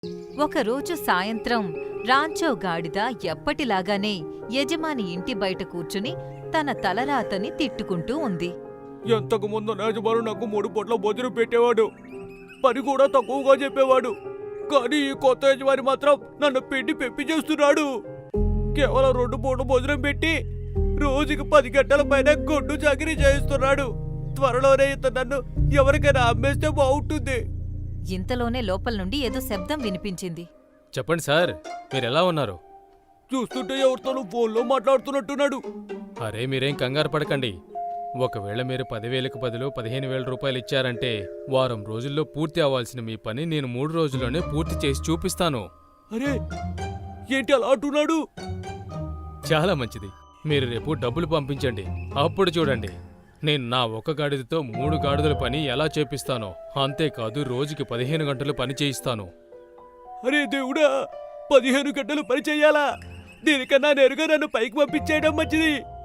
ఒకరోజు సాయంత్రం రాంచో గాడిద ఎప్పటిలాగానే యజమాని ఇంటి బయట కూర్చుని తన తలరాతని తిట్టుకుంటూ ఉంది. ఎంతకు ముందు యజమాను నాకు 3 పూట్ల భోజనం పెట్టేవాడు, పని కూడా తక్కువగా చెప్పేవాడు. కానీ ఈ కొత్త యజమాని మాత్రం నన్ను పిండి పెప్పి చేస్తున్నాడు. కేవలం 2 పూట్ల భోజనం పెట్టి రోజుకి 10 గంటల పైన గొడ్డు చాకిరీ చేయిస్తున్నాడు. త్వరలోనే ఇతను నన్ను ఎవరికైనా అమ్మేస్తే బాగుంటుంది. ఇంతలోనే లోపల నుండి ఏదో శబ్దం వినిపించింది. చెప్పండి సార్, మీరెలా ఉన్నారు? చూస్తుంటే ఎవరితోనూ ఫోన్లో మాట్లాడుతున్నట్టున్నాడు. అరే మీరేం కంగారు పడకండి. ఒకవేళ మీరు 10,000కు బదులు 15,000 రూపాయలు ఇచ్చారంటే వారం రోజుల్లో పూర్తి అవ్వాల్సిన మీ పని నేను 3 రోజుల్లోనే పూర్తి చేసి చూపిస్తాను. అరే ఏంటి అలా అంటున్నాడు? చాలా మంచిది. మీరు రేపు డబ్బులు పంపించండి, అప్పుడు చూడండి నేను నా 1 గాడిదతో 3 గాడిదల పని ఎలా చేపిస్తానో. అంతేకాదు రోజుకి 15 గంటలు పని చేయిస్తాను. అరే దేవుడా, 15 గంటలు పని చెయ్యాలా? దీనికన్నా నేరుగా నన్ను పైకి పంపించేయడం మంచిది.